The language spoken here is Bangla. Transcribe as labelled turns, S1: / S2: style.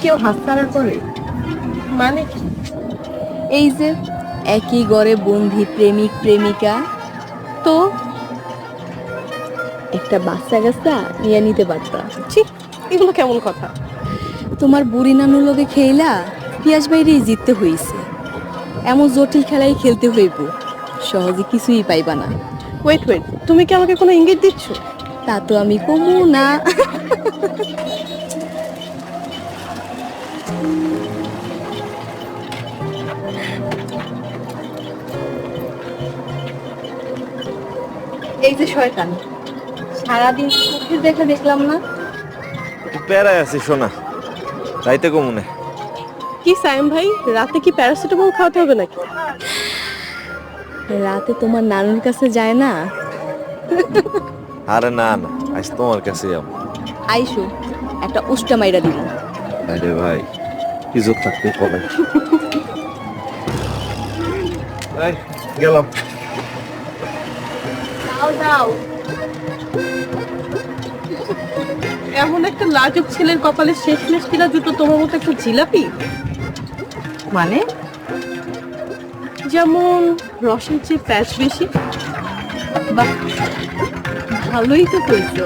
S1: কেউ হাত ছাড়ার পরে মানে কি?
S2: এই যে একই ঘরে বন্ধি প্রেমিক প্রেমিকা,
S1: তো
S2: একটা বাচ্চা কাচ্চা নিয়ে নিতে পারতা।
S1: ছি, এগুলো কেমন কথা?
S2: তোমার বুড়ি নানুর লগে খেইলা পিয়াস বাইরেই জিততে হইছে। এমন জটিল খেলাই খেলতে হইব, সহজে কিছুই পাইবা না।
S1: ওয়েট ওয়েট, তুমি কি আমাকে কোনো ইঙ্গিত দিচ্ছ?
S2: তা তো আমি কমু না। এই যে শয়তান, সারাদিন চোখের দেখা দেখলাম না।
S3: একটু প্যারায় আছি শোনা, রাইতে কমুনে।
S1: কি সায়েম ভাই, রাতে কি প্যারাসিটামল খাওয়াতে হবে নাকি?
S2: রাতে তোমার নানুর কাছে যায় না?
S3: আরে না না, আজ তোমার কাছে যাবো।
S2: আইসো, একটা উষ্টা মাইরা দিব।
S3: আরে ভাই, ইজ্জত থাকতে কবে গেলাম।
S2: দাও দাও।
S1: এমন একটা লাজুক ছেলের কপালে শেষমেশ কিনা জুতো তোমার মতো একটা জিলাপি।
S2: মানে?
S1: যেমন রসের চেয়ে প্যাচ বেশি।
S2: বাহ, ভালোই তো কইছো।